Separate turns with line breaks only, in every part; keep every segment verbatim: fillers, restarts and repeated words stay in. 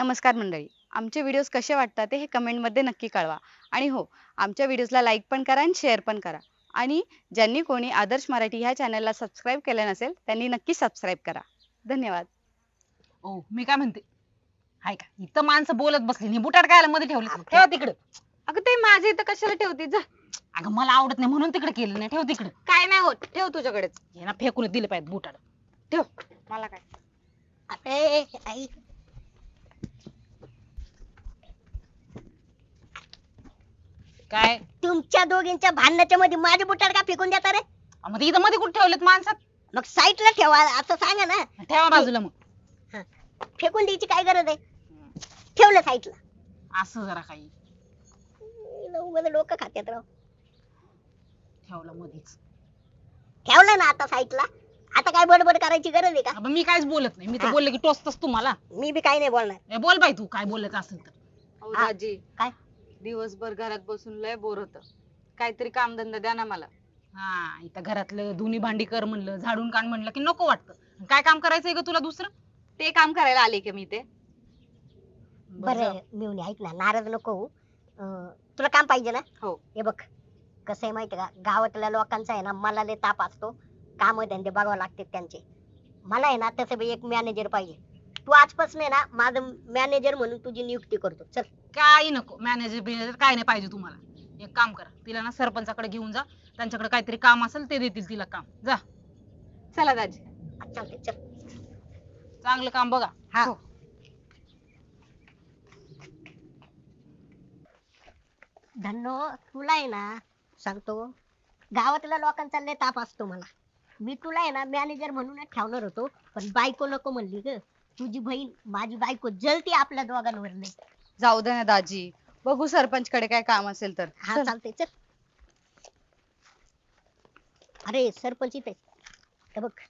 नमस्कार मंडळी. आमचे व्हिडिओज कसे वाटतात ते हे कमेंटमध्ये नक्की कळवा. आणि हो, आमच्या व्हिडिओजला लाईक पण करा आणि शेअर पण करा. आणि ज्यांनी कोणी आदर्श मराठी ह्या चॅनलला सबस्क्राईब केलं नसेल त्यांनी नक्की सबस्क्राईब करा. धन्यवाद.
ओ मी काय म्हणते, हाय का इथं माणसं बोलत बसली नाही, बुटाड कायला मध्ये ठेवले, ठेवा तिकडे.
अगं ते माझे इथं कशाला ठेवते? जा.
अगं मला आवडत नाही म्हणून तिकडे केलं नाही, ठेव तिकडे.
काय नाही होत, ठेव तुझ्याकडेच.
हे ना फेकून दिले पाहिजे बुटाड.
ठेव. मला काय.
अरे आई
काय
तुमच्या दोघींच्या भांडणाच्या मध्ये माझे बुटाड का फेकून देता रे?
अं, मग इथं मध्ये कुठे ठेवलेत माणसात?
मग साईडला ठेवा असं सांगा ना.
ठेवा बाजूला मग.
फेकून द्यायची काय गरज आहे? ठेवलं साईडला.
असं जरा काही
उगाच डोकं खात्यात राव.
ठेवलं मध्येच.
ठेवलं ना आता साईडला. आता काय बडबड करायची गरज आहे का?
अबे, मी काहीच बोलत नाही, मी तर
हा.
बोलले की टोचतस तुम्हाला.
मी बी काही नाही बोलणार.
ए, बोल बाई तू काय बोलायचं असेल तर.
अहो
हा.
दाजी,
काय?
दिवसभर घरात बसून लय बोर होतं. काहीतरी कामधंदा द्या ना मला.
हा इथं घरातलं धुनी भांडी कर म्हणलं, झाडून काढ म्हणलं की नको वाटतं. काय काम करायचंय ग तुला दुसरं?
ते काम करायला आले की मी ते.
बरं मिळून ऐक ना, नाराज नको होऊ. अं, तुला काम पाहिजे ना?
हो.
हे बघ कसं आहे माहिती का, गावातल्या लोकांचा आहे ना मला लय ताप असतो. काम धंदे बघावं लागते त्यांचे. मला आहे ना तसं बी एक मॅनेजर पाहिजे. तू आजपासून आहे ना माझं मॅनेजर म्हणून तुझी नियुक्ती करतो. चल.
काही नको मॅनेजर बिनेजर काय नाही पाहिजे तुम्हाला. एक काम करा, तिला ना सरपंचाकडे घेऊन जा, त्यांच्याकडे काहीतरी काम असेल ते देतील तिला काम. जा
चला दाजी.
चालते चल.
चांगलं काम बघा.
हा.
हो.
धन्नो तुला आहे ना सांगतो, गावातल्या लोकांचा लय ताप असतो मला. मी तुला आहे ना मॅनेजर म्हणूनच ठेवणार होतो, पण बायको नको म्हणली ग. तुझी बहीण माझी बायको जलती आपल्या दोघांवर नाही.
जाऊ दे ना दाजी. बघू सरपंच कडे काय काम असेल तर.
हा
चल.
चालते चल. अरे सरपंच इथे हे बघ.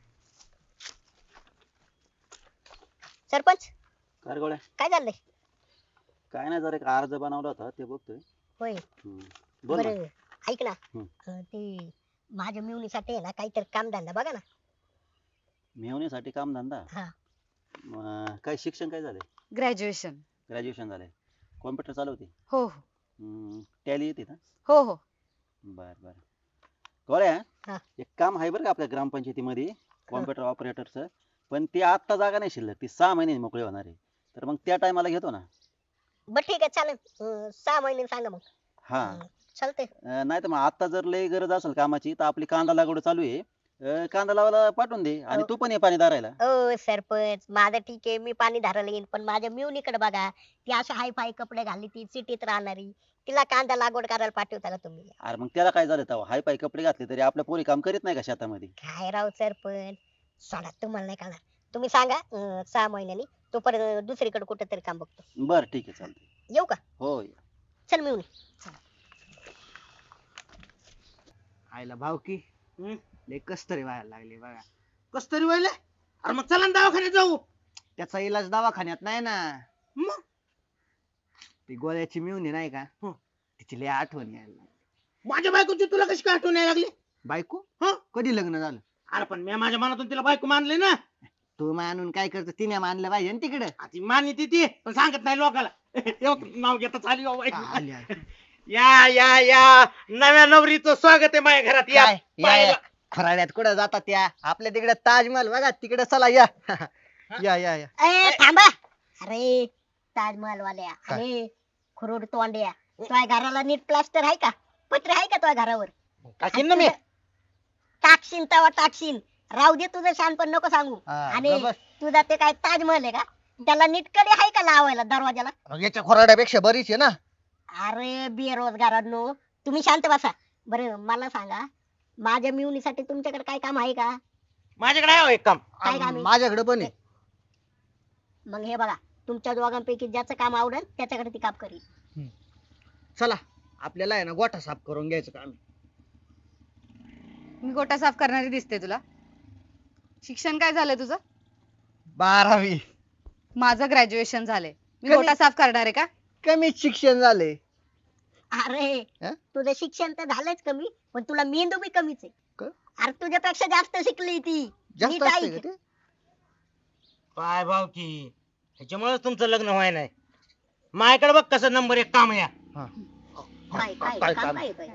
सरपंच
काय रे गोळ्या?
काय चाललंय?
काय नाही, जरा एक अर्ज बनवला होता ते बघतोय.
होय.
हम्म. बोल ना.
बरं ऐक ना,
हम्म.
अं, ते माझ्या मिळवणीसाठी आहे ना काहीतरी कामधंदा बघा ना.
मेहनीसाठी काम धंदा.
हा.
अं, काय शिक्षण काय झालंय?
ग्रॅज्युएशन.
ग्रॅज्युएशन झालंय. कॉम्प्युटर चालवते.
हो हो.
टॅली येते ना?
हो हो.
बर बर. गोळ्या,
हा.
एक काम आहे बरं का आपल्या ग्रामपंचायतीमध्ये कॉम्प्युटर ऑपरेटरचं, पण ते आत्ता जागा नाही शिल्लक, ती सहा महिने मोकळे होणार आहे. तर मग त्या टायमाला घेतो ना.
बर ठीक आहे चालेल. अं, सहा महिने सांगा मग.
हा.
अं, चालतंय.
नाही तर मग आता जर लय गरज असेल कामाची तर आपली कांदा लागवड चालू आहे. अं, कांदा लावायला पाठवून दे आणि
हो.
तू पण ये पाणी दारायला.
ओ सरपंच माझं ठीक आहे, मी पाणी धारायला येईन, पण माझ्या मिवणीकडे बघा. ती अशी हाय फाय कपडे घालली, ती सिटीत राहणारी, तिला कांदा लागवड करायला पाठवता का तुम्ही?
अरे मग त्याला काय झालं तेव्हा? हाय पाय कपडे घातले तरी आपल्या पोरी काम करीत नाही का शेतामध्ये?
काय राव सरपंच, सोडा तुम्हाला नाही कळणार. तुम्ही सांगा अं, सहा महिन्यांनी, तोपर्यंत दुसरीकडे कुठेतरी काम बघतो.
बर ठीक आहे, चालतंय.
येऊ का?
हो.
चल मिवणी.
आईला भावकी लय कस तरी व्हायला लागली बघा. कस तरी व्हायला? अरे मग चला ना दवाखान्यात जाऊ. त्याचा इलाज दवाखान्यात नाही ना. मग ती गोळ्याची मिळून नाही का, तिची लय आठवण यायला लागली. माझ्या बायकोची तुला कशी काय आठवण यायला लागली? बायको कधी लग्न झालं? अरे पण मी माझ्या मनातून तिला बायको मानले ना. तू मानून काय करतो, तिने मानलं पाहिजे ना तिकडे. ती मानिती ती पण सांगत नाही लोकाला. नाव घेता आली आली या या या नव्या नवरीचं स्वागत आहे माझ्या घरात. या पायाला. खराड्यात कुठं जातात त्या? आपल्या तिकडे ताजमहल बघा, तिकडे चला या. या या या.
ए थांबा. अरे ताजमहल वाल्या, अरे खुरोड तोंड्या, तुझ्या घराला नीट प्लास्टर आहे का? पत्र आहे का तुझ्या घरावर?
टाकीन ना मी.
टाकशीन तवा टाकशीन. राहू दे तुझं शहाणपण नको सांगू.
हा,
आणि
बरोबर.
तुझा ते काय ताजमहल आहे का? त्याला नीट कडे आहे का लावायला दरवाजाला?
याच्या खोराड्यापेक्षा बरीच आहे ना.
अरे बेरोजगारांनो, तुम्ही शांत बसा. बरं मला सांगा, माझ्या मिळवणीसाठी तुमच्याकडे काय काम आहे का?
माझ्याकडे आहे हो एक काम.
काय काम आहे?
माझ्याकडे पण आहे.
मग हे बघा, तुमच्या दोघांपैकी ज्याचं काम आवडेल त्याच्याकडे ती काम करील.
चला आपल्याला आहे ना गोठा साफ करून घ्यायचं काम.
मी गोटा साफ करणारी दिसते तुला? शिक्षण काय झालंय तुझं?
बारावी.
माझं ग्रॅज्युएशन झालंय. मी
कमी-
गोटा साफ करणार आहे का?
कमी शिक्षण झाले.
अरे
हं?
तुझं शिक्षण तर झालंच कमी, पण तुला मेंदू बी कमीच आहे.
क?
अरे तुझ्यापेक्षा जास्त शिकली ती.
जास्त
नीट
असते
ऐक.
का ते?
काय भाव की ह्याच्यामुळे तुमचं लग्न व्हाय नाही. माझ्याकडे बघ कसं नंबर एक काम आहे.
काय काय
काय
काम
काम?
काय काय?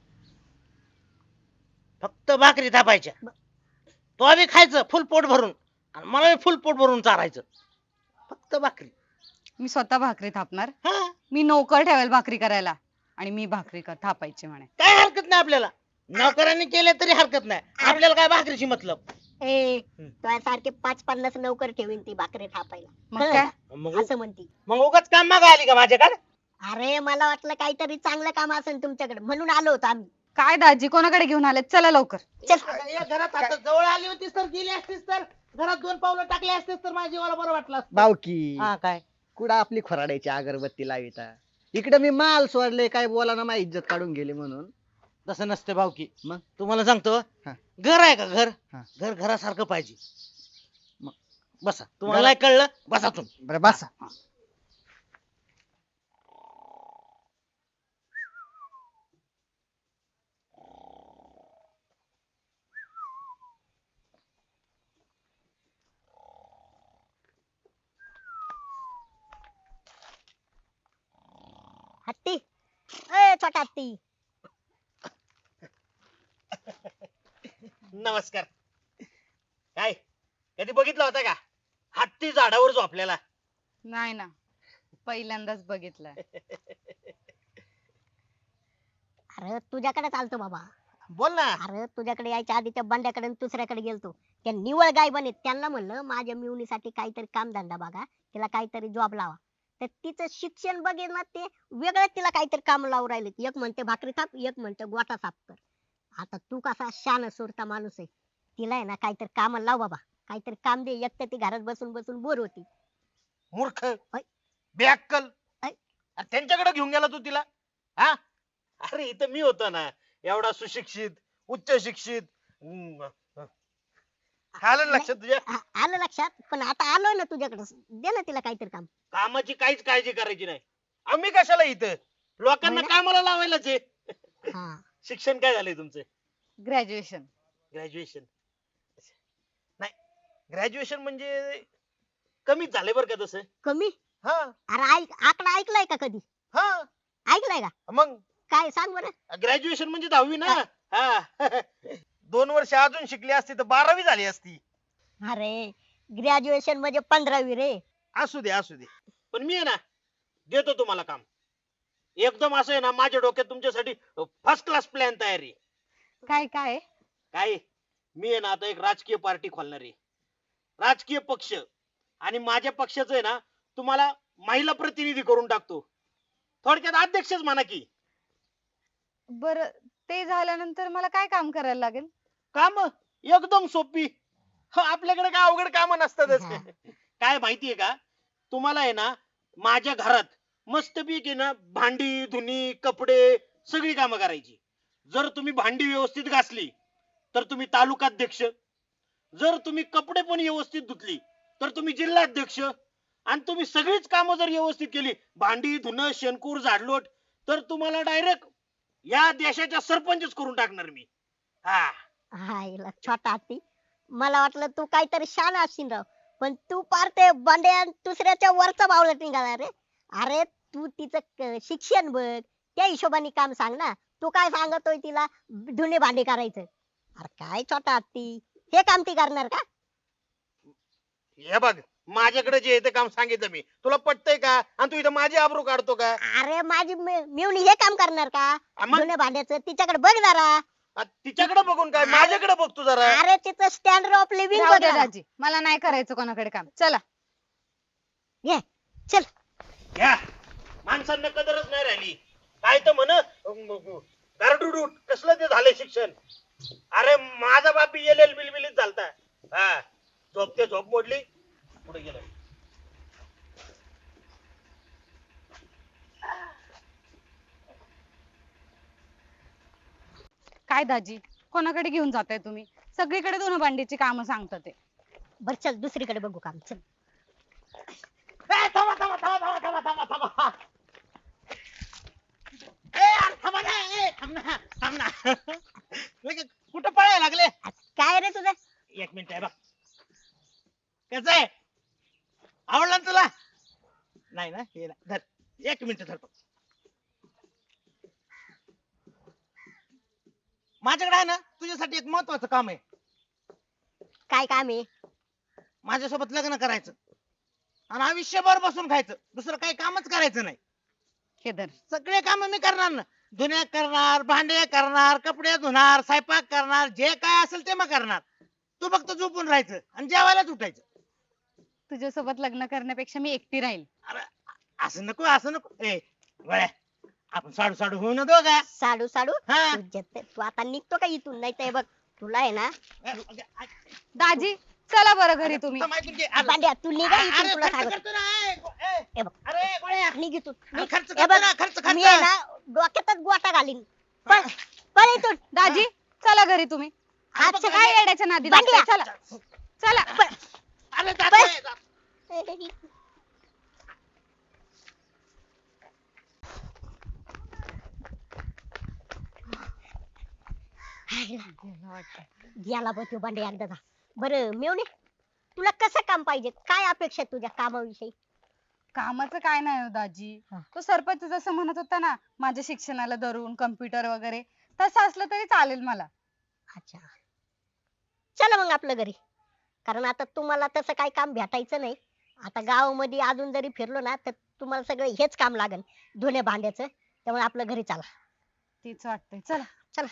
फक्त भाकरी थापायच्या. तो आम्ही खायचं फुल पोट भरून आणि मला फुल पोट भरून चारायचं. फक्त भाकरी.
मी स्वतः भाकरी थापणार.
हा
मी नोकर ठेवेल भाकरी करायला आणि मी भाकरी कर- थापायची म्हणे.
काय हरकत नाही आपल्याला. नोकरांनी केले तरी हरकत नाही. आपल्याला काय भाकरीची मतलब.
ए सारखे पाच पन्नास नोकर ठेवीन ती भाकरी थापायला.
मग
कळलं
काय?
का?
मग
असं म्हणती.
मग उगाच काम मागा आली का माझ्याकडे.
अरे मला वाटलं काहीतरी चांगलं काम असेल तुमच्याकडे म्हणून आलो होतो आम्ही.
काय दाजी कोणाकडे घेऊन आले? चला लवकर.
अगं, या घरात आता जवळ आली होतीस तर गेली असतीस तर घरात दोन पावलं टाकली असतीस तर माझ्या जीवाला बरं वाटलं असतं.
भावकी
हा काय
कुठं आपली खोराड्याची अगरबत्ती लाविता. इकडे मी माल सोडले काय बोला ना माझी इज्जत काढून गेली म्हणून.
तसं नसतं भाऊकी.
मग?
तुम्हाला सांगतो
हा.
घर आहे का घर
हा.
घर घरासारखं पाहिजे.
मग?
बसा तुम्हाला नाही कळलं बसा तुम्ही.
बरं बसा.
हत्ती ए छोटा हत्ती.
नमस्कार. काय कधी बघितला होता का हत्ती झाडावर झोपलेला.
नाही ना, पहिल्यांदाच बघितलंय.
अरे तुझ्याकडे चालतो बाबा.
बोल ना.
अरे तुझ्याकडे यायच्या आधी त्या बंड्याकडे आणि दुसऱ्याकडे गेलतो. त्या निवळ गाय बनेत त्यांना म्हणलं माझ्या मिवणीसाठी काहीतरी कामधंदा बघा, तिला काहीतरी जॉब लावा. तर तिचं शिक्षण बघेल ना ते वेगळं तिला काहीतरी काम लावून राहिले. एक म्हणते भाकरी थाप, एक म्हणते गोटा साफ कर. आता तू कसा शान सुरता माणूस आहे, तिला आहे ना काहीतरी काम लाव बाबा. काहीतरी काम दे, एक तर ती घरात बसून बसून बोर होती.
मूर्ख
ऐ.
बेअक्कल.
ऐ.
अरे त्यांच्याकडे घेऊन गेला तू तिला. हा अरे इथं मी होतो ना एवढा सुशिक्षित उच्च शिक्षित. हम्म. आलं ना लक्षात तुझ्या.
आ- आलं लक्षात. पण आता आलोय ना तुझ्याकडे, दे ना तिला काहीतरी काम.
कामाची काहीच काळजी करायची नाही. आम्ही कशाला इथं लोकांना
होय ना?
कामाला लावायलाच आहे.
हा
शिक्षण काय झालंय तुमचं.
ग्रॅज्युएशन.
ग्रॅज्युएशन. नाही ग्रॅज्युएशन म्हणजे कमीच झालंय बरं का तसं.
कमी.
हा
अरे ऐक आकडा ऐकलाय का कधी?
हा
ऐकलाय का?
मग
काय सांग बरं.
ग्रॅज्युएशन म्हणजे दहावी ना. हा दोन वर्ष अजून शिकली असती तर बारावी झाली असती.
अरे ग्रॅज्युएशन म्हणजे पंधरावी रे.
असू दे असू दे पण मी आहे ना देतो तुम्हाला काम. एकदम असं आहे ना माझ्या डोक्यात तुमच्यासाठी फर्स्ट क्लास प्लॅन तयार आहे.
काय काय?
काय मी आहे ना आता एक राजकीय पार्टी खोलणार आहे. राजकीय पक्ष आणि माझ्या पक्षाचं आहे ना तुम्हाला महिला प्रतिनिधी करून टाकतो. थोडक्यात अध्यक्षच म्हणा की.
बर ते झाल्यानंतर मला काय काम करायला लागेल?
काम एकदम सोपी. ह, आपल्याकडे काय अवघड काम नसतातच.
हा.
काय माहितीये का तुम्हाला आहे ना माझ्या घरात मस्तपैकी ना भांडी धुनी कपडे सगळी कामं करायची. जर तुम्ही भांडी व्यवस्थित घासली तर तुम्ही तालुकाध्यक्ष. जर तुम्ही कपडे पण व्यवस्थित धुतली तर तुम्ही जिल्हाध्यक्ष. आणि तुम्ही सगळीच कामं जर व्यवस्थित केली भांडी धुणं शेणकूर झाडलोट तर तुम्हाला डायरेक्ट या देशाच्या सरपंचच करून टाकणार मी. हा
हायला छोटा हत्ती, मला वाटलं तू काहीतरी शान असशील राव. पण तू पार ते बंड्या दुसऱ्याच्या वरचा बावला निघाला रे. अरे तू तिचं क- शिक्षण बघ, त्या हिशोबाने काम सांग ना. तू काय सांगतोय तिला धुणे भांडे करायचं? अरे काय छोटा हत्ती, हे काम ती करणार का?
हे बघ माझ्याकडे जे आहे ते काम सांगितलं मी. तुला पटतंय का आणि तू इथं माझी आबरू काढतो का.
अरे माझी मे- मेवणी हे काम करणार का?
आ मग?
धुणे भांड्याचं तिच्याकडे बघ जरा.
आ, तिच्याकडे बघून काय माझ्याकडे बघ तू जरा.
अरे तिचं स्टँडर्ड ऑफ लिव्हिंग
राहू
बघ
द्या
जरा.
दाजी, मला नाही करायचं कोणाकडे काम. चला.
घे चल.
घ्या माणसांना कदरच नाही राहिली. काय तर म्हण गारडुडूट कसलं ते झालंय शिक्षण. अरे माझा बाप एल एल बिलबिलीत झालता. हा झोप ते झोप मोडली पुढे गेलं.
काय दाजी कोणाकडे घेऊन जाताय तुम्ही? सगळीकडे दोन भांडीची कामं सांगतात ते.
बर चल दुसरीकडे बघू काम. चल
ए, थांबा थांबा थांबा थांबा थांबा थांबा थांबा. ए, यार, थांबा ना. ए, थांब ना थांब ना. लगेच कुठं पळायला लागले.
काय रे तुझं?
एक मिनिट आहे बघ. कसं आहे आवडला ना तुला. नाही ना हे नाही. धर एक मिनिट धर फक्त. माझ्याकडे आहे ना तुझ्यासाठी एक महत्वाचं काम आहे.
काय काम आहे?
माझ्यासोबत लग्न करायचं आणि आयुष्यभर बसून खायचं, दुसरं काही कामच करायचं नाही.
हे धर.
सगळे काम मी करणार ना, धुण्या करणार, भांडे करणार, कपडे धुणार, स्वयंपाक करणार, जे काय असेल ते मग करणार. तू फक्त झोपून राहायचं आणि जेवायलाच उठायचं.
तुझ्यासोबत लग्न करण्यापेक्षा मी एकटी राहील.
अरे असं नको असं नको. ए वळ्या, आपण साडू साडू होऊ ना दोघा.
साडू साडू
हा.
तुझ्यात ते- तू आता निघतो का इथून? नाही तर बघ तुला आहे ना
ए, अगे, अगे,
दाजी चला बरं घरी तुम्ही.
थांब, ऐकून घे. अरे,
भांड्या तू निघा इथून
अरे,
तुला
खर्च
सांगतो.
करतो ना, ए, गो- ए,
हे बघ
अरे गोळ्या,
निघ इथून
अरे,
निघ.
खर्च
हे
करतो
बघ
ना, खर्च
मी आहे
खर्च.
ना डोक्यातच गोटा घालीन. पळ पळ इथून.
दाजी चला घरी तुम्ही.
आज
बघ,
काय येड्याच्या नादी
भांड्या.
लागताय? चला चला.
अरे जातोय, जातोय.
गेला बघ तो भांडे एकदाचा. बरं मेवणे तुला कसं काम पाहिजे? काय अपेक्षा आहे तुझ्या कामाविषयी?
कामाचं काय नाही हो दाजी.
हा.
तो सरपंच जसं म्हणत होता ना माझ्या शिक्षणाला धरून कम्प्युटर वगैरे, तसं असलं तरी चालेल मला.
अच्छा चला मग आपलं घरी. कारण आता तुम्हाला तसं काही काम भेटायचं नाही. आता गावामध्ये अजून जरी फिरलो ना तर तुम्हाला सगळं हेच काम लागेल, धुण्या भांड्याचं. त्यामुळे आपलं घरी चला.
तीच वाटतंय. चला
चला.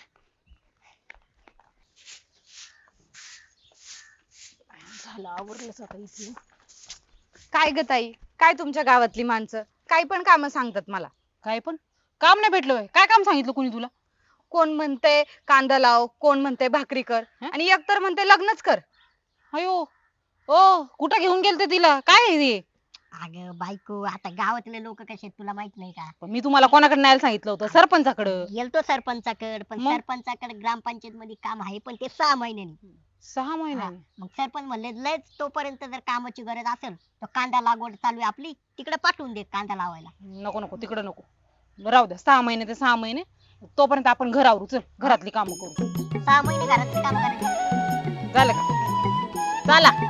झालं आवरलं सकाळी.
काय ग ताई, काय तुमच्या गावातली माणसं काही पण काम सांगतात मला.
काय पण काम नाही भेटलं होय? काय काम सांगितलं कोणी तुला?
कोण म्हणते कांदा लाव, कोण म्हणते भाकरी कर,
हं?
आणि एकतर म्हणते लग्नच कर.
अयो ओ कुठं घेऊन गेलते तिला? काय आहे हे?
अगं बायको, आता गावातले लोक कसे आहेत तुला माहित नाही का?
पण मी तुम्हाला कोणाकडे न्यायला सांगितलं होतं? सरपंचाकडे.
गेलतो सरपंचाकडे, पण
मग?
सरपंचाकडे ग्रामपंचायत मध्ये काम आहे, पण ते सहा महिन्यांनी.
सहा महिन्याने?
मग सरपंच म्हणले लयच तोपर्यंत जर कामाची गरज असेल तर कांदा लागवड चालू आहे आपली, तिकडे पाठवून दे कांदा लावायला.
नको नको तिकडे नको. राहू द्या, सहा महिने ते सहा महिने. तोपर्यंत आपण घर आवरू. चल घरातली कामं करू.
सहा महिने घरातली काम करायची.
झालं का? चला.